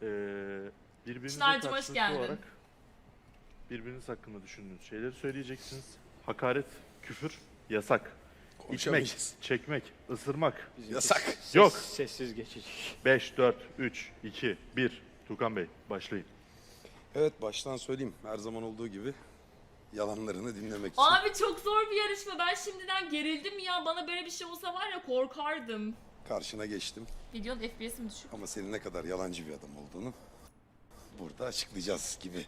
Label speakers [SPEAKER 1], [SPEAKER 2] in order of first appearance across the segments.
[SPEAKER 1] Birbirinize
[SPEAKER 2] Çınar'cığım hoş
[SPEAKER 1] karşılıklı
[SPEAKER 2] geldin.
[SPEAKER 1] olarak birbiriniz hakkında düşündüğünüz şeyleri söyleyeceksiniz. Hakaret, küfür yasak. İçmek,
[SPEAKER 3] Konuşamayacağız.
[SPEAKER 1] çekmek, ısırmak
[SPEAKER 4] Bizimki
[SPEAKER 3] Yasak.
[SPEAKER 1] Yok.
[SPEAKER 4] Sessiz geçici.
[SPEAKER 1] 5, 4, 3, 2, 1. Tukan Bey başlayın.
[SPEAKER 3] Evet, baştan söyleyeyim. Her zaman olduğu gibi yalanlarını dinlemek için.
[SPEAKER 2] Abi çok zor bir yarışma. Ben şimdiden gerildim ya. Bana böyle bir şey olsa var ya korkardım.
[SPEAKER 3] Karşına geçtim.
[SPEAKER 2] Videonun FPS'im düşük.
[SPEAKER 3] Ama senin ne kadar yalancı bir adam olduğunu burada açıklayacağız gibi.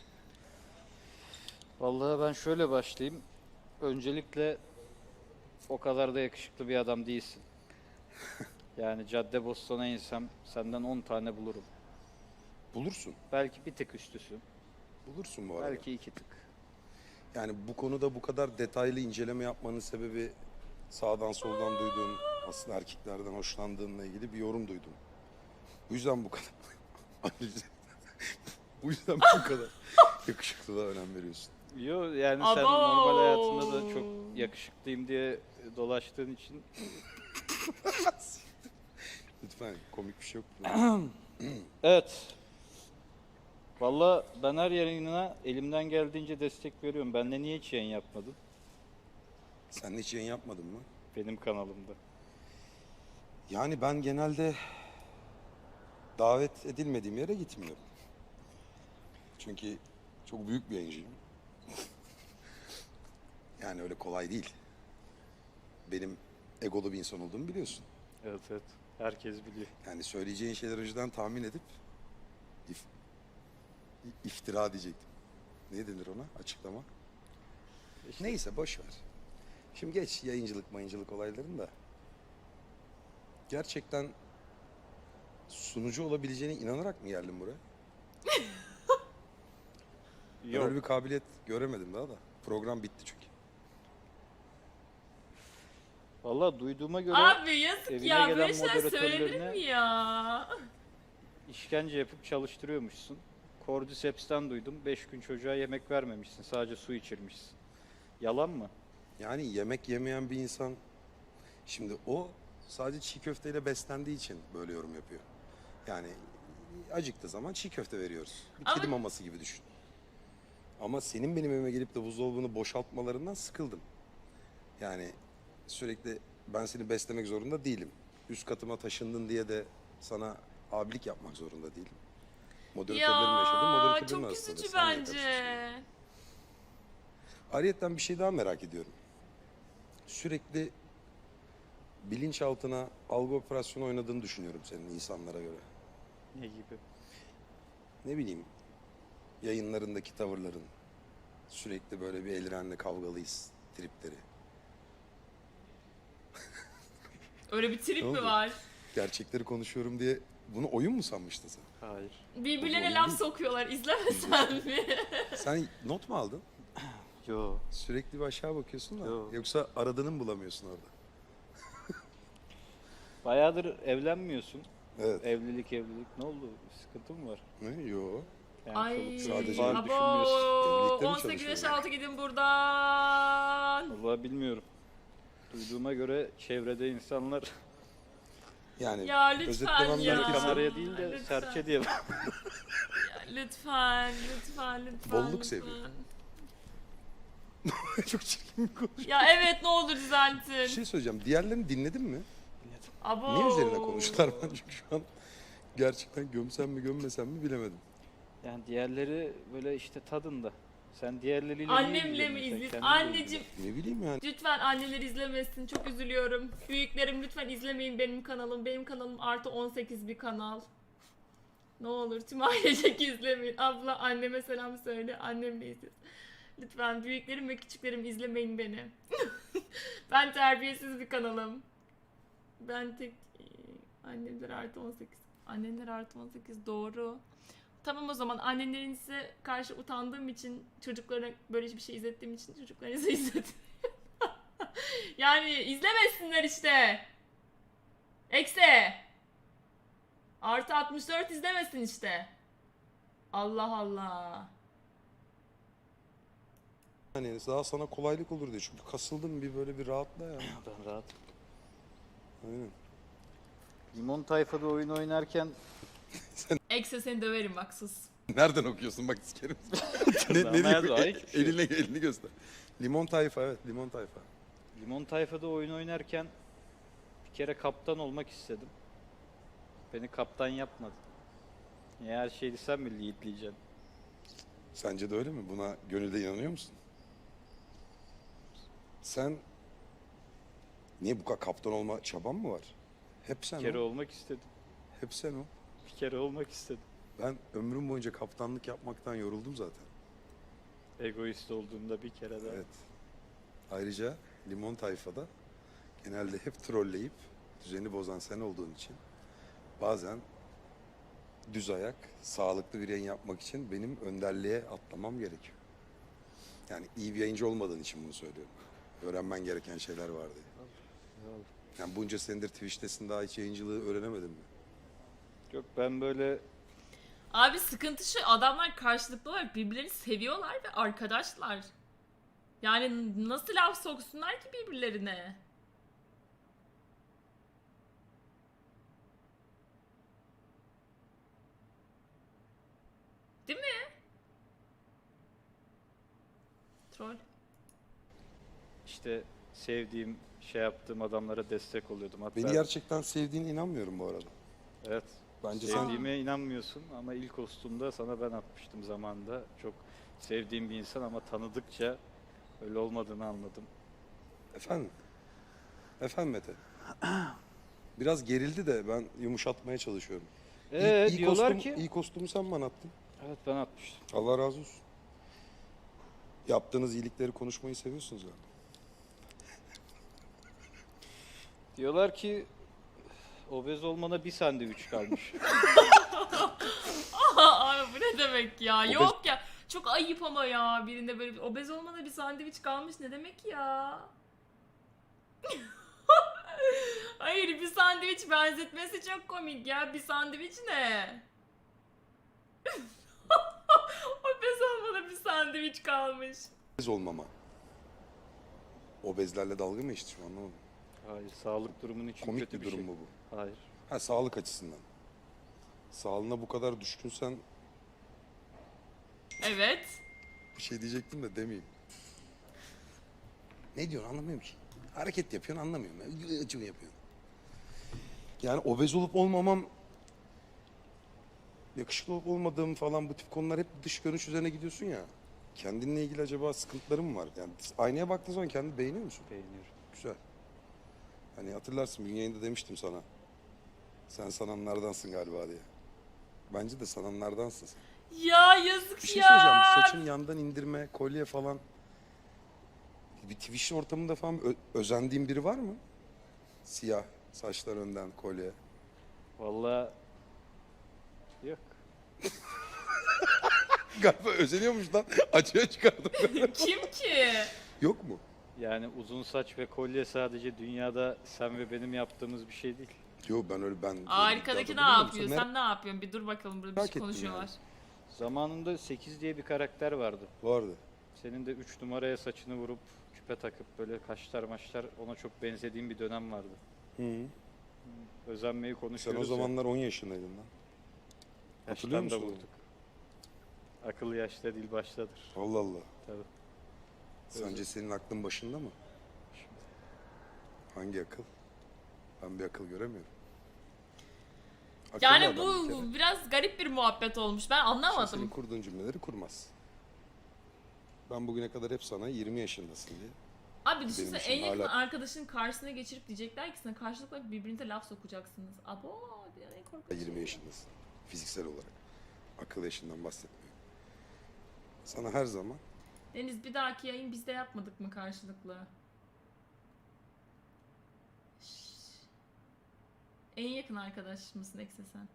[SPEAKER 4] Vallahi ben şöyle başlayayım. Öncelikle o kadar da yakışıklı bir adam değilsin. Yani Caddebostan'a insem senden 10 tane bulurum.
[SPEAKER 3] Bulursun.
[SPEAKER 4] Belki bir tık üstüsün.
[SPEAKER 3] Bulursun bu arada.
[SPEAKER 4] Belki 2 tık.
[SPEAKER 3] Yani bu konuda bu kadar detaylı inceleme yapmanın sebebi sağdan soldan duyduğum, aslında erkeklerden hoşlandığınla ilgili bir yorum duydum. Bu yüzden bu kadar bu yüzden bu kadar yakışıklılığa önem veriyorsun.
[SPEAKER 4] Yo yani sen
[SPEAKER 2] Abo!
[SPEAKER 4] normal hayatında da çok yakışıklıyım diye dolaştığın için
[SPEAKER 3] Lütfen, komik bir şey yok.
[SPEAKER 4] evet. Vallahi ben her yayınına elimden geldiğince destek veriyorum. Benle niye hiç yayın yapmadın?
[SPEAKER 3] Sen de hiç yayın yapmadın mı?
[SPEAKER 4] Benim kanalımda.
[SPEAKER 3] Yani ben genelde davet edilmediğim yere gitmiyorum. Çünkü çok büyük bir yayıncıyım. Yani öyle kolay değil. Benim egolu bir insan olduğumu biliyorsun.
[SPEAKER 4] Evet evet. Herkes biliyor.
[SPEAKER 3] Yani söyleyeceğin şeyleri önceden tahmin edip iftira diyecektim. Ne denir ona? Açıklama.
[SPEAKER 4] İşte
[SPEAKER 3] Neyse, boş ver. Şimdi geç mayıncılık olaylarını da. Gerçekten sunucu olabileceğine inanarak mı geldin buraya? Ben
[SPEAKER 4] yok.
[SPEAKER 3] öyle bir kabiliyet göremedim daha da. Program bitti çünkü.
[SPEAKER 4] Vallahi duyduğuma göre
[SPEAKER 2] Abi yazık
[SPEAKER 4] evine
[SPEAKER 2] ya.
[SPEAKER 4] gelen
[SPEAKER 2] Böyle şeyler
[SPEAKER 4] moderatörlerine-
[SPEAKER 2] söylenir mi ya?
[SPEAKER 4] işkence yapıp çalıştırıyormuşsun. Cordyceps'ten duydum. 5 gün çocuğa yemek vermemişsin. Sadece su içirmişsin. Yalan mı?
[SPEAKER 3] Yani yemek yemeyen bir insan, şimdi o sadece çiğ köfteyle beslendiği için böyle yorum yapıyor. Yani acıktığı zaman çiğ köfte veriyoruz. Bir
[SPEAKER 2] Ama-
[SPEAKER 3] kedi maması gibi düşün. Ama senin benim evime gelip de buzdolabını boşaltmalarından sıkıldım. Yani sürekli ben seni beslemek zorunda değilim. Üst katıma taşındın diye de sana abilik yapmak zorunda değilim. Moderatörlerin yaşadığı
[SPEAKER 2] Ya
[SPEAKER 3] moderatörlerin
[SPEAKER 2] çok
[SPEAKER 3] arasında.
[SPEAKER 2] üzücü
[SPEAKER 3] Sen niye
[SPEAKER 2] bence.
[SPEAKER 3] karışıyorsun? Ayrıyeten bir şey daha merak ediyorum. Sürekli bilinçaltına algı operasyonu oynadığını düşünüyorum senin insanlara göre.
[SPEAKER 4] Ne gibi?
[SPEAKER 3] Ne bileyim, yayınlarındaki tavırların, sürekli böyle bir Elren'le kavgalıyız tripleri.
[SPEAKER 2] Öyle bir trip
[SPEAKER 3] Ne
[SPEAKER 2] mi
[SPEAKER 3] oldu?
[SPEAKER 2] var?
[SPEAKER 3] Gerçekleri konuşuyorum diye bunu oyun mu sanmıştın sen?
[SPEAKER 4] Hayır.
[SPEAKER 2] Birbirlerine
[SPEAKER 3] Oyun
[SPEAKER 2] laf
[SPEAKER 3] değil.
[SPEAKER 2] sokuyorlar. İzlemesen mi?
[SPEAKER 3] Sen not mu aldın?
[SPEAKER 4] Yo.
[SPEAKER 3] Sürekli bir aşağı bakıyorsun da.
[SPEAKER 4] Yok.
[SPEAKER 3] Yoksa aradığını mı bulamıyorsun orada?
[SPEAKER 4] Bayağıdır evlenmiyorsun.
[SPEAKER 3] Evet.
[SPEAKER 4] Evlilik. Ne oldu? Sıkıntı mı var?
[SPEAKER 3] Ne? Yo.
[SPEAKER 4] Yani
[SPEAKER 2] Ay
[SPEAKER 4] çoluk çocuk
[SPEAKER 3] sadece-
[SPEAKER 4] falan
[SPEAKER 2] abo.
[SPEAKER 4] düşünmüyorsun.
[SPEAKER 3] Evlilikte mi
[SPEAKER 2] 18 yaş
[SPEAKER 3] çalışıyorlar?
[SPEAKER 2] altı gidin buradan.
[SPEAKER 4] Vallahi bilmiyorum. Duyduğuma göre çevrede insanlar
[SPEAKER 3] Yani
[SPEAKER 2] Ya lütfen
[SPEAKER 3] özetlemem
[SPEAKER 2] ya.
[SPEAKER 3] gerekirse
[SPEAKER 4] kameraya değil de
[SPEAKER 2] Lütfen.
[SPEAKER 4] serçe diye
[SPEAKER 2] Ya, lütfen.
[SPEAKER 3] Bolluk
[SPEAKER 2] lütfen.
[SPEAKER 3] seviyor. çok çirkin bir konuş.
[SPEAKER 2] Ya evet ne olur düzeltin.
[SPEAKER 3] Bir şey söyleyeceğim. Diğerlerini dinledin mi?
[SPEAKER 2] Abo.
[SPEAKER 3] Ne üzerine konuştular ben çünkü şu an gerçekten gömsem mi gömmesem mi bilemedim.
[SPEAKER 4] yani diğerleri böyle işte tadında. Sen diğerleriyle niye
[SPEAKER 2] Annemle mi
[SPEAKER 4] ilgileniyorsun? Sen
[SPEAKER 2] izlesin?
[SPEAKER 4] kendinle
[SPEAKER 2] Anneciğim
[SPEAKER 3] Ne bileyim yani.
[SPEAKER 2] lütfen anneler izlemesin. Çok üzülüyorum. Büyüklerim lütfen izlemeyin benim kanalım. Benim kanalım artı 18 bir kanal. Ne olur tüm ailecek izlemeyin. Abla anneme selam söyle. Annem de izlesin. Lütfen büyüklerim ve küçüklerim izlemeyin beni. Ben terbiyesiz bir kanalım. Ben tek annemler artı 18. Annemler artı 18 doğru. Tamam o zaman annenlerinize karşı utandığım için çocuklara böyle bir şey izlettiğim için çocuklarınıza izletin. Yani izlemesinler işte. Eksi. Artı 64 izlemesin işte. Allah Allah.
[SPEAKER 3] Hani daha sana kolaylık olur diye. Çünkü kasıldım bir böyle bir rahatla ya.
[SPEAKER 4] Ben rahat.
[SPEAKER 3] Aynen.
[SPEAKER 4] Limon Tayfa'da oyun oynarken
[SPEAKER 2] Ekse seni döverim bak sus.
[SPEAKER 3] Nereden okuyorsun bak sikerim.
[SPEAKER 4] Tırnağıma
[SPEAKER 3] diyor?
[SPEAKER 4] yazıyor, ay hiçbir şey yok.
[SPEAKER 3] Elini göster. Limon tayfa, evet, limon tayfa.
[SPEAKER 4] Limon Tayfa'da oyun oynarken bir kere kaptan olmak istedim. Beni kaptan yapmadı. Niye her şeyi sen mi leadleyeceksin?
[SPEAKER 3] Sence de öyle mi? Buna gönülde inanıyor musun? Sen niye bu kadar kaptan olma çaban mı var? Hep sen
[SPEAKER 4] Bir kere
[SPEAKER 3] o.
[SPEAKER 4] olmak istedim.
[SPEAKER 3] Hep sen o.
[SPEAKER 4] Bir kere olmak istedim.
[SPEAKER 3] Ben ömrüm boyunca kaptanlık yapmaktan yoruldum zaten.
[SPEAKER 4] Egoist olduğumda bir kere daha.
[SPEAKER 3] Evet. Ayrıca limon tayfada genelde hep trolleyip düzeni bozan sen olduğun için bazen düz ayak, sağlıklı bir yayın yapmak için benim önderliğe atlamam gerekiyor. Yani iyi bir yayıncı olmadığın için bunu söylüyorum. Öğrenmen gereken şeyler var diye. Yani bunca senedir Twitch'tesin, daha hiç yayıncılığı öğrenemedin mi?
[SPEAKER 4] Yok ben böyle
[SPEAKER 2] Abi sıkıntı şu, adamlar karşılıklı olarak birbirlerini seviyorlar ve arkadaşlar. Yani nasıl laf soksunlar ki birbirlerine? Değil mi? Troll.
[SPEAKER 4] işte sevdiğim, şey yaptığım adamlara destek oluyordum. Hatta
[SPEAKER 3] Beni gerçekten sevdiğine inanmıyorum bu arada.
[SPEAKER 4] evet.
[SPEAKER 3] Bence sen
[SPEAKER 4] Sevdiğime inanmıyorsun ama ilk kostümde sana ben atmıştım zamanında. Çok sevdiğim bir insan ama tanıdıkça öyle olmadığını anladım.
[SPEAKER 3] Efendim? Efendim Mete? Biraz gerildi de ben yumuşatmaya çalışıyorum.
[SPEAKER 4] Diyorlar ki
[SPEAKER 3] İyi kostümü sen bana attın.
[SPEAKER 4] evet ben atmıştım.
[SPEAKER 3] Allah razı olsun. Yaptığınız iyilikleri konuşmayı seviyorsunuz galiba.
[SPEAKER 4] Diyorlar ki obez olmana bir sandviç kalmış.
[SPEAKER 2] Abi bu ne demek ya?
[SPEAKER 3] Obez-
[SPEAKER 2] Yok ya. Çok ayıp ama ya. Birinde böyle obez olmana bir sandviç kalmış ne demek ya? Hayır, bir sandviç benzetmesi çok komik ya. Bir sandviç ne? Obez olmana bir sandviç kalmış.
[SPEAKER 3] Obez olmama. Obezlerle dalga mı geçti şu an, anlamadım.
[SPEAKER 4] Hayır, sağlık durumun için
[SPEAKER 3] Komik
[SPEAKER 4] kötü
[SPEAKER 3] bir
[SPEAKER 4] bir
[SPEAKER 3] durum
[SPEAKER 4] şey.
[SPEAKER 3] mu bu?
[SPEAKER 4] Hayır.
[SPEAKER 3] Ha, sağlık açısından. Sağlığına bu kadar düşkünsen
[SPEAKER 2] Evet.
[SPEAKER 3] bir şey diyecektim de demeyeyim. Ne diyorsun anlamıyorum ki. Hareket yapıyorsun anlamıyorum. Acımı yapıyorsun. Yani obez olup olmamam, yakışıklı olup olmadığım falan, bu tip konular hep dış görünüş üzerine gidiyorsun ya. Kendinle ilgili acaba sıkıntıların mı var? Yani aynaya baktığın zaman kendini beğeniyor musun?
[SPEAKER 4] Beğeniyorum.
[SPEAKER 3] Güzel. Hani hatırlarsın, bir yayında demiştim sana. Sen sananlardansın galiba diye. Bence de sananlardansın sen.
[SPEAKER 2] Ya yazık
[SPEAKER 3] Bir şey
[SPEAKER 2] ya.
[SPEAKER 3] söyleyeceğim. Saçın yandan indirme, kolye falan. Bir Twitch ortamında falan özendiğin biri var mı? Siyah, saçlar önden, kolye.
[SPEAKER 4] Vallahi yok.
[SPEAKER 3] Galiba özeniyormuş lan. Açığa çıkardım.
[SPEAKER 2] Kim ki?
[SPEAKER 3] Yok mu?
[SPEAKER 4] Yani uzun saç ve kolye sadece dünyada sen ve benim yaptığımız bir şey değil.
[SPEAKER 3] Yok, ben öyle ben...
[SPEAKER 2] Arkadaki ne
[SPEAKER 3] Daha da
[SPEAKER 2] yapıyor?
[SPEAKER 3] bilmiyorum.
[SPEAKER 2] Sen ne yapıyorsun? Bir dur bakalım, burada bir
[SPEAKER 3] Merak
[SPEAKER 2] şey
[SPEAKER 3] ettim
[SPEAKER 2] konuşuyorlar.
[SPEAKER 4] Zamanında 8 diye bir karakter vardı.
[SPEAKER 3] Vardı.
[SPEAKER 4] Senin de 3 numaraya saçını vurup küpe takıp böyle kaşlar maşlar ona çok benzediğim bir dönem vardı.
[SPEAKER 3] Hı -hı.
[SPEAKER 4] Özenmeyi
[SPEAKER 3] Sen
[SPEAKER 4] konuşuyoruz
[SPEAKER 3] o zamanlar 10 yaşındaydın lan.
[SPEAKER 4] ya.
[SPEAKER 3] hatırlıyor
[SPEAKER 4] Yaştan da
[SPEAKER 3] musun onu?
[SPEAKER 4] vurduk. Akıl yaşta dil baştadır.
[SPEAKER 3] Allah Allah.
[SPEAKER 4] Tabii.
[SPEAKER 3] Sence senin aklın başında mı? Hangi akıl? Ben bir akıl göremiyorum. Akıllı
[SPEAKER 2] Yani
[SPEAKER 3] adam bir kere.
[SPEAKER 2] bu biraz garip bir muhabbet olmuş. Ben
[SPEAKER 3] Şimdi
[SPEAKER 2] anlamadım.
[SPEAKER 3] senin kurduğun cümleleri kurmaz. Ben bugüne kadar hep sana 20 yaşındasın diye.
[SPEAKER 2] Abi düşünsene,
[SPEAKER 3] için
[SPEAKER 2] en yakın
[SPEAKER 3] hala-
[SPEAKER 2] arkadaşın karşısına geçirip diyecekler ki sana karşılıklı birbirinize laf sokacaksınız. Abo, yani korkunç.
[SPEAKER 3] 20 yaşındasın. Fiziksel olarak. Akıl yaşından bahsetmiyorum. Sana her zaman
[SPEAKER 2] Deniz, bir dahaki yayın biz de yapmadık mı karşılıklı? Şşş. En yakın arkadaş mısın Ekse sen?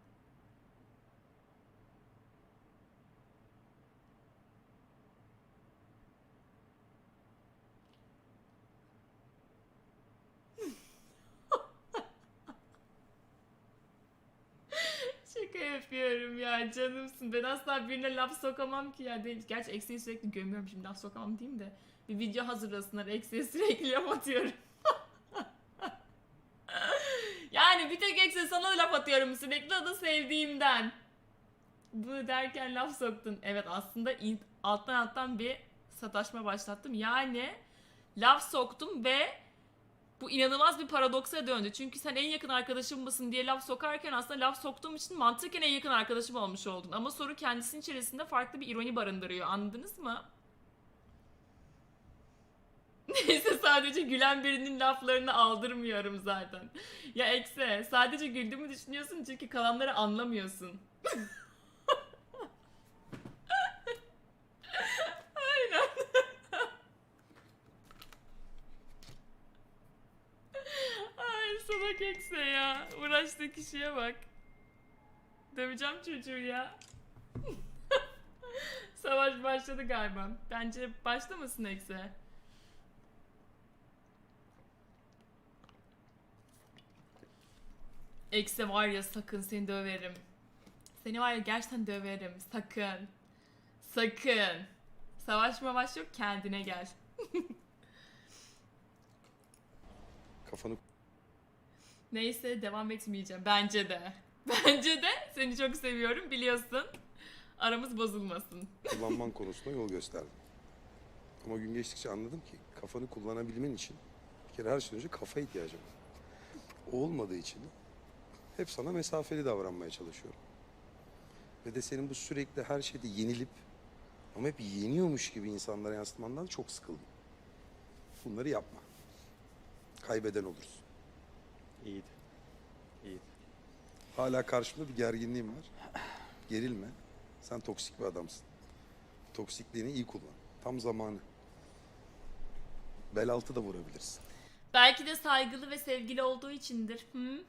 [SPEAKER 2] Şaka yapıyorum ya, canımsın. Ben asla birine laf sokamam ki ya. Değil. Gerçi Ekse'yi sürekli gömüyorum, şimdi laf sokamam diyeyim de. Bir video hazırlasınlar, Ekse'ye sürekli laf atıyorum. Yani bir tek Ekse sana laf atıyorum sürekli, o da sevdiğimden. Bunu derken laf soktun. Evet, aslında alttan bir sataşma başlattım. Yani laf soktum ve bu inanılmaz bir paradoksa döndü. Çünkü sen en yakın arkadaşım mısın diye laf sokarken aslında laf soktuğum için mantıken en yakın arkadaşım olmuş oldun. Ama soru kendisinin içerisinde farklı bir ironi barındırıyor. Anladınız mı? Neyse, sadece gülen birinin laflarını aldırmıyorum zaten. Ya Ekse, sadece güldüğümü düşünüyorsun çünkü kalanları anlamıyorsun. Aynen. Ay salak Ekse ya. Uğraştığı kişiye bak. Döveceğim çocuğu ya. Savaş başladı galiba. Bence başlamasın Ekse. Ekse var ya, sakın seni döverim. Seni var ya gerçekten döverim. Sakın. Sakın. Savaş mavaş yok, kendine gel.
[SPEAKER 3] Kafanı
[SPEAKER 2] Neyse, devam etmeyeceğim. Bence de. Bence de. Seni çok seviyorum, biliyorsun. Aramız bozulmasın.
[SPEAKER 3] kullanman konusunda yol gösterdim. Ama gün geçtikçe anladım ki kafanı kullanabilmen için bir kere her şeyden önce kafa ihtiyacım var. O olmadığı için hep sana mesafeli davranmaya çalışıyorum. Ve de senin bu sürekli her şeyde yenilip ama hep yeniyormuş gibi insanlara yansıtmandan çok sıkıldım. Bunları yapma. Kaybeden olursun.
[SPEAKER 4] İyiydi. İyiydi.
[SPEAKER 3] Hala karşımda bir gerginliğim var. Gerilme. Sen toksik bir adamsın. Toksikliğini iyi kullan. Tam zamanı. Bel altı da vurabilirsin.
[SPEAKER 2] Belki de saygılı ve sevgili olduğu içindir. Hı?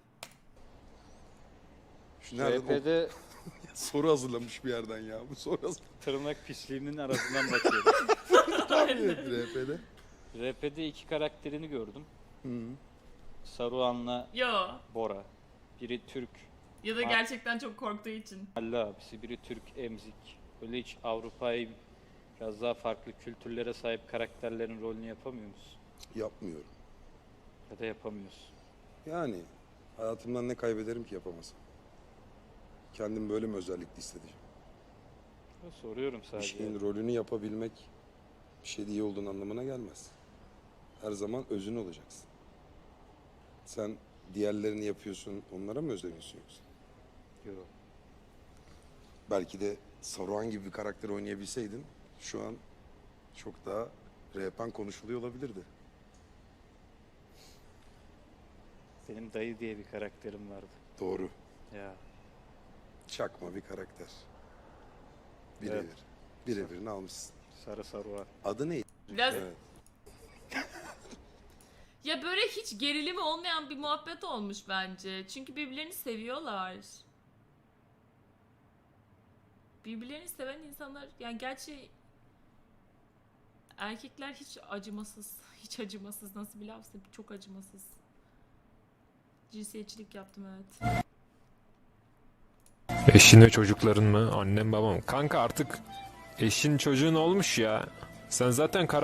[SPEAKER 3] Şu nereden
[SPEAKER 4] RP'de
[SPEAKER 3] soru hazırlamış bir yerden ya. Bu soru hazırlamış.
[SPEAKER 4] tırnak pisliğimin arasından bakıyorum.
[SPEAKER 3] RP'de.
[SPEAKER 4] RP'de iki karakterini gördüm.
[SPEAKER 3] Hı.
[SPEAKER 4] Saruhan'la
[SPEAKER 2] Yo.
[SPEAKER 4] Bora. Biri Türk
[SPEAKER 2] Ya da gerçekten çok korktuğu için.
[SPEAKER 4] Halle abisi, biri Türk Emzik. Böyle hiç Avrupa'yı biraz daha farklı kültürlere sahip karakterlerin rolünü yapamıyor musun?
[SPEAKER 3] Yapmıyorum.
[SPEAKER 4] Ya da yapamıyorsun.
[SPEAKER 3] Yani hayatımdan ne kaybederim ki yapamasam? Kendim böyle mi özellikle hissedeceğim?
[SPEAKER 4] Ya soruyorum
[SPEAKER 3] Bir
[SPEAKER 4] sadece.
[SPEAKER 3] şeyin rolünü yapabilmek bir şeyde iyi olduğun anlamına gelmez. Her zaman özün olacaksın. Sen diğerlerini yapıyorsun, onlara mı özeniyorsun yoksa?
[SPEAKER 4] Yok.
[SPEAKER 3] Belki de Saruhan gibi bir karakter oynayabilseydin şu an çok daha RP'n konuşuluyor olabilirdi.
[SPEAKER 4] Benim dayı diye bir karakterim vardı.
[SPEAKER 3] Doğru.
[SPEAKER 4] Ya.
[SPEAKER 3] Çakma bir karakter. Birebir.
[SPEAKER 4] Evet.
[SPEAKER 3] Birebirini almışsın.
[SPEAKER 4] Sarı Saruhan.
[SPEAKER 3] Adı neydi?
[SPEAKER 2] Biraz
[SPEAKER 3] Evet.
[SPEAKER 2] ya böyle hiç gerilimi olmayan bir muhabbet olmuş bence. Çünkü birbirlerini seviyorlar. Birbirlerini seven insanlar, yani gerçi erkekler hiç acımasız. Hiç acımasız, nasıl bir lafsa, çok acımasız. Cinsiyetçilik yaptım, evet.
[SPEAKER 5] Eşin ve çocukların mı? Annem babam. Kanka artık eşin çocuğun olmuş ya. Sen zaten